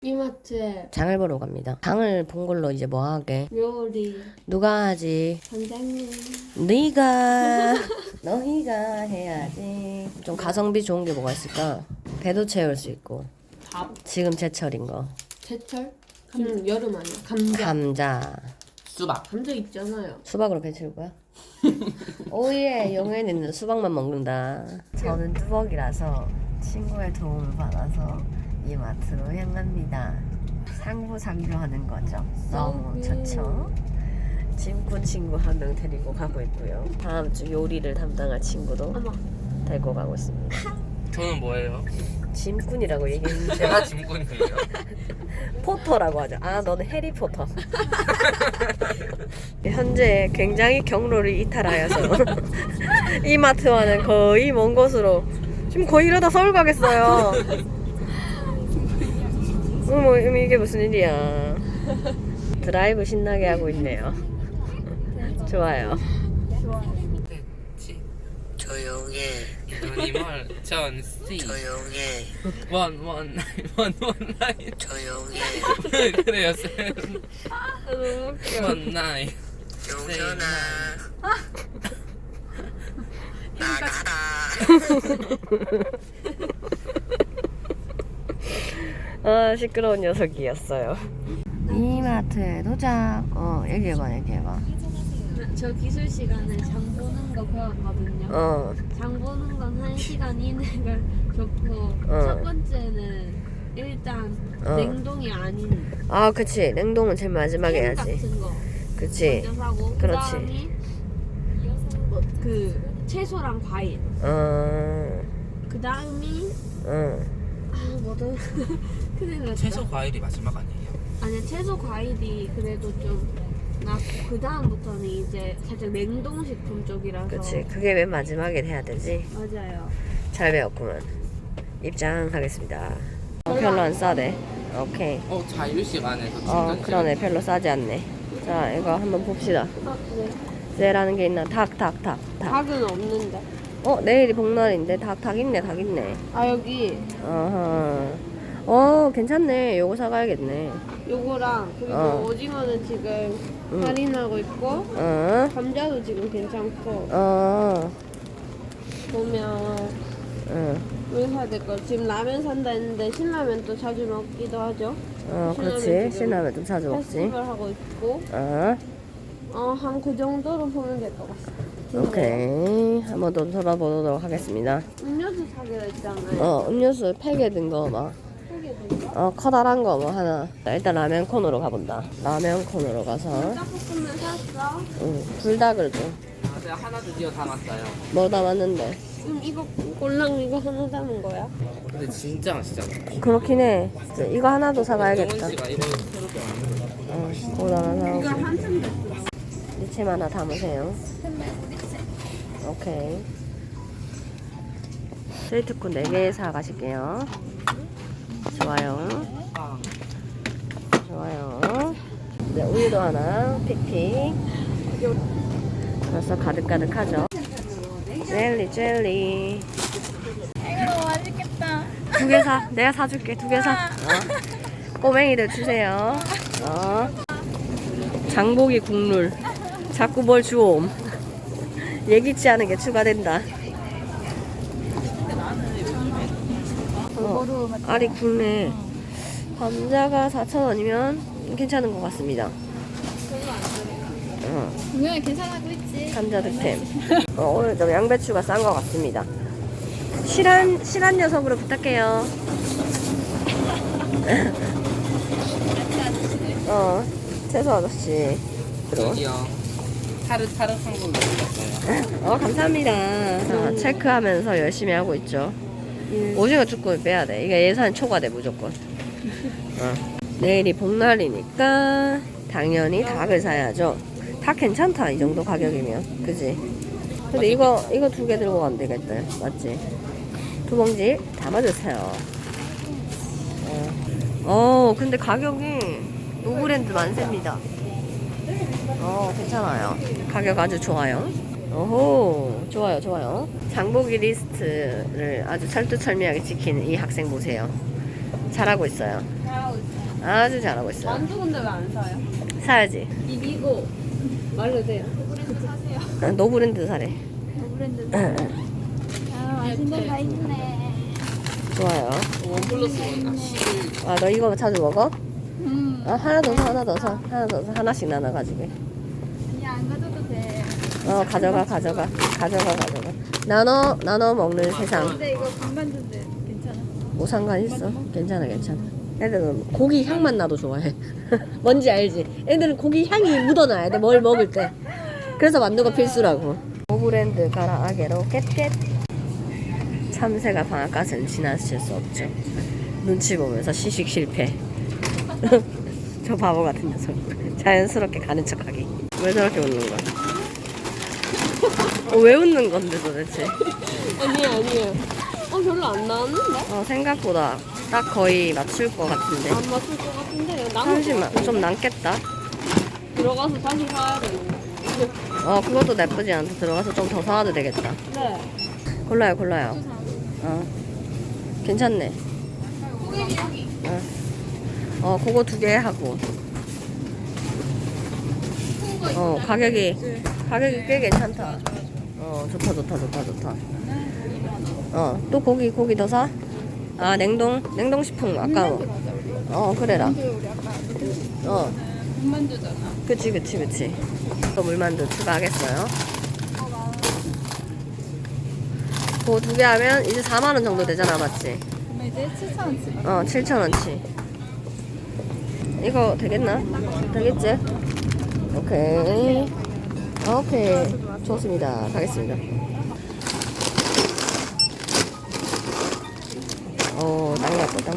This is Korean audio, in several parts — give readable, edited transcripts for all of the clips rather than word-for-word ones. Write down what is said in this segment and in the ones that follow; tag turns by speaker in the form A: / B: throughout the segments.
A: 이마트에
B: 장을 보러 갑니다. 장을 본 걸로 이제 뭐 하게?
A: 요리
B: 누가 하지?
A: 선생님
B: 네가 너희가 해야지. 좀 가성비 좋은 게 뭐가 있을까? 배도 채울 수 있고
A: 밥
B: 지금 제철인 거
A: 제철 지금 여름 아니야 감자
B: 감자
C: 수박.
A: 감자 있잖아요.
B: 수박으로 배 채울 거야? 오예 영애는 수박만 먹는다. 저는 뚜벅이라서 친구의 도움을 받아서 이마트로 향합니다. 상부상조하는 거죠. 너무 좋죠. 짐꾼 친구 한 명 데리고 가고 있고요. 다음 주 요리를 담당할 친구도
A: 어머
B: 데리고 가고 있습니다.
C: 저는 뭐예요?
B: 짐꾼이라고 얘기했는데
C: 제가 짐꾼이에요.
B: 포터라고 하죠. 아 너는 해리포터. 현재 굉장히 경로를 이탈하여서 이마트와는 거의 먼 곳으로 지금 거의 이러다 서울 가겠어요. 어머 이게 무슨 일이야. 드라이브 신나게 하고 있네요. 좋아요. 조용해.
C: 이말 전씨.
B: 조용해.
C: 원원 나인.
B: 조용해.
C: 그래요 쌤.
A: 너무 웃겨.
C: 원 나인.
B: 용선아 나가라. 아 시끄러운 녀석이었어요. 이마트에 도착. 얘기해봐.
A: 저 기술 시간에 장 보는 거 배웠거든요. 장 보는 건 1시간 이내가 좋고 첫 번째는 일단 냉동이 아닌
B: 아 그치 냉동은 제일 마지막에
A: 햄
B: 해야지.
A: 같은 거
B: 그치.
A: 먼저 사고
B: 그렇지.
A: 그다음이 그 채소랑 과일 그다음이 뭐든 큰일 났다.
C: 채소 과일이 마지막 아니에요?
A: 아니야 채소 과일이 그래도 좀 낫고 그 다음부터는 이제 살짝 냉동식품 쪽이라서
B: 그치 그게 맨 마지막에 해야 되지.
A: 맞아요.
B: 잘 배웠구만. 입장하겠습니다. 별로 안 싸대. 오케이.
C: 자유 시간에서 충전.
B: 그러네 별로 싸지 않네. 자 이거 한번 봅시다.
A: 네.
B: 쟤라는 게 있나? 닭.
A: 닭은 없는데.
B: 내일이 복날인데 닭 있네.
A: 아 여기
B: 괜찮네. 요거 사가야겠네.
A: 요거랑 그리고 오징어는 지금 할인하고 있고 감자도 지금 괜찮고 보면 왜 사야 될까? 지금 라면 산다 했는데 신라면 또 자주 먹기도 하죠.
B: 그렇지.
A: 지금
B: 신라면 좀 자주 먹지.
A: 페스티벌 하고 있고 한 그 정도로 보면 될 것 같습니다.
B: 오케이. 한번 더 돌아보도록 하겠습니다.
A: 음료수 사기로 했잖아요.
B: 음료수 팩에 든 거 막.
A: 팩에 든거?
B: 커다란 거 뭐 하나. 일단 라면 콘으로 가본다. 라면 콘으로 가서.
A: 닭볶음면 샀어?
B: 불닭을 좀.
C: 제가 하나 드디어 담았어요.
B: 뭐 담았는데?
A: 이거 꼴랑 이거 하나 담은 거야?
C: 근데 진짜 맛있잖아.
B: 그렇긴 해. 이거 하나도 사가야겠다.
C: 정원 씨가 이거 새롭게 만든 거.
B: 그거 하나
A: 이거
B: 사고.
A: 한참 됐어.
B: 리침 하나 담으세요. 오케이. 스위트콘 4개 사가실게요. 좋아요. 네, 우유도 하나, 픽픽. 벌써 가득하죠? 젤리.
D: 이거 맛있겠다.
B: 2개 사. 내가 사줄게. 2개 사. 꼬맹이들 주세요. 장보기 국룰. 자꾸 뭘 주옴. 예기치 않은 게 추가된다. 알이 굵네. 감자가 4,000원이면 괜찮은 것 같습니다.
D: 분명히 괜찮아고 있지.
B: 감자 득템. 오늘 좀 양배추가 싼 것 같습니다. 실한 녀석으로 부탁해요. 채소 아저씨.
C: 저기요. 타르타르한 거 먹었어요.
B: 감사합니다. 자, 체크하면서 열심히 하고 있죠. 오징어 쭈꾸미 빼야 돼. 이게 예산 초과돼 무조건. 내일이 복날이니까 당연히 닭을 사야죠. 닭 괜찮다 이 정도 가격이면, 그지? 근데 이거 2개 들고 가면 되겠다, 맞지? 2봉지 담아주세요. 근데 가격이 노브랜드 만세입니다. 괜찮아요. 가격 아주 좋아요. 오호, 좋아요. 장보기 리스트를 아주 철두철미하게 지키는 이 학생 보세요. 잘하고 있어요. 아주 잘하고 있어요.
A: 만두 근데 왜 안 사요?
B: 사야지.
A: 비비고 말로 돼요.
B: 노브랜드 사래.
D: 브랜드.
B: 응,
D: 아, 맛있는 거 있네.
B: 좋아요.
C: 원 플러스 원.
B: 아, 너 이거 자주 먹어?
D: 음.
B: 하나 더 사, 하나 더 사. 하나 더 사. 하나씩 나눠가지고.
D: 그냥 안 가져도 돼.
B: 가져가. 나눠 먹는 세상.
D: 근데 이거 군만두인데 괜찮아?
B: 뭐 상관 있어? 괜찮아. 애들은 고기 향만 나도 좋아해. 뭔지 알지? 애들은 고기 향이 묻어나야 돼. 뭘 먹을 때. 그래서 만두가 필수라고. 오브랜드 가라 아게로 깻깻. 참새가 방앗간은 지나칠 수 없죠. 눈치 보면서 시식 실패. 저 바보 같은 녀석. 자연스럽게 가는 척하기. 왜 저렇게 웃는 거야? 왜 웃는 건데 도대체?
A: 아니에요. 별로 안 나왔는데?
B: 생각보다 딱 거의 맞출 것 같은데.
A: 안 맞출 것 같은데 남은
B: 잠시만, 좀 남겠다.
A: 들어가서 다시 사야 되는데.
B: 그것도 나쁘지 않다. 들어가서 좀 더 사와도 되겠다.
A: 네.
B: 골라요. 괜찮네. 그거 2개 하고. 가격이 꽤 괜찮다. 좋다. 또 고기 더 사? 아, 냉동식품 아까워. 그래라.
D: 우리 아까 군만두잖아.
B: 그치. 또 물만두 추가하겠어요. 그거 2개 하면 이제 4만원 정도 되잖아, 맞지?
D: 그러면 이제 7,000원치.
B: 7,000원치. 이거 되겠나? 되겠지? 오케이. 좋습니다. 가겠습니다. 땅 예쁘다.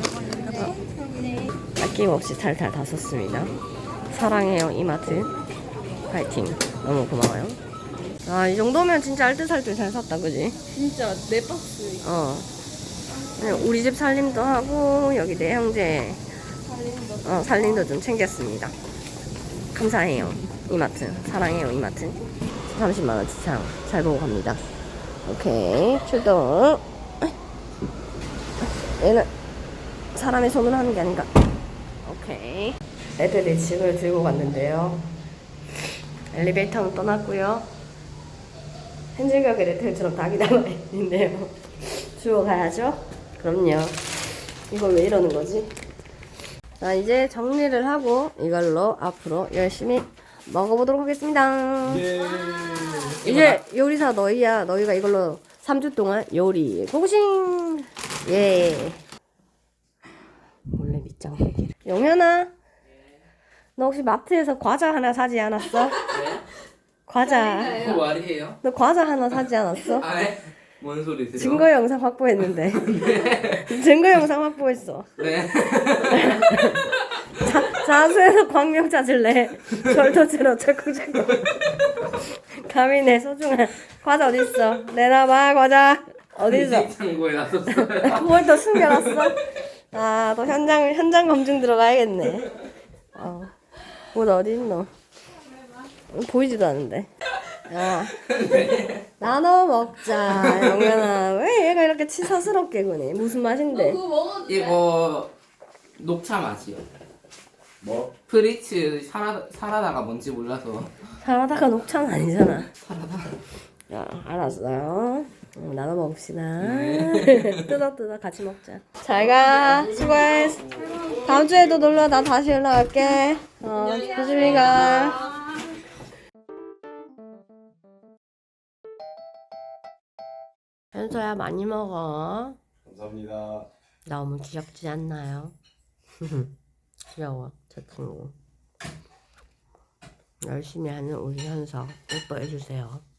B: 아낌없이 탈탈 다 썼습니다. 사랑해요, 이마트. 파이팅. 너무 고마워요. 이 정도면 진짜 알뜰살뜰 잘 샀다, 그지?
A: 진짜 4박스.
B: 그냥 우리 집 살림도 하고, 여기 내 형제 살림도 좀 챙겼습니다. 감사해요, 이마트. 사랑해요, 이마트. 30만원 지창 잘 보고 갑니다. 오케이, 출동. 얘는 사람의 손으로 하는 게 아닌가. 오케이. 애들이 짐을 들고 갔는데요. 엘리베이터는 떠났고요. 헨젤과 그레텔처럼 닭이 남아있는데요. 주워 가야죠. 그럼요. 이걸 왜 이러는 거지? 자, 이제 정리를 하고 이걸로 앞으로 열심히 먹어보도록 하겠습니다. 이제 요리사 너희야. 너희가 이걸로 3주 동안 요리 고고싱. 예. 몰래 밑장 빼기를. 영현아, 너 혹시 마트에서 과자 하나 사지 않았어? 과자.
C: 그거 말이에요?
B: 너 과자 하나 사지 않았어?
C: 네? 뭔 소리세요?
B: 증거 영상 확보했는데. 증거 영상 확보했어.
C: 네.
B: 자수해서 광명 찾을래. 절도죄로 철컹철컹. 감히 내 소중한 과자 어딨어? 내놔봐, 과자. 어딨어?
C: 창고에 놨었어요.
B: 그걸 또 숨겨놨어? 또 현장 검증 들어가야겠네. 옷 어디 있노? 보이지도 않는데. 나눠 먹자, 영현아. 왜 얘가 이렇게 치사스럽게 구니? 무슨 맛인데?
A: 그거 먹어도 돼?
C: 이거 녹차 맛이요. 뭐? 프리츠 사라다가 뭔지 몰라서.
B: 사라다가 녹차는 아니잖아.
C: 사라다.
B: 야, 알았어요. 나눠 먹읍시다. 뜯어 같이 먹자. 잘가. 수고해. 다음 주에도 놀러. 나 다시 연락할게. 조심히 가. 현서야, 많이 먹어.
E: 감사합니다.
B: 너무 귀엽지 않나요? 귀여워, 저 친구. 열심히 하는 우리 현서 예뻐해주세요.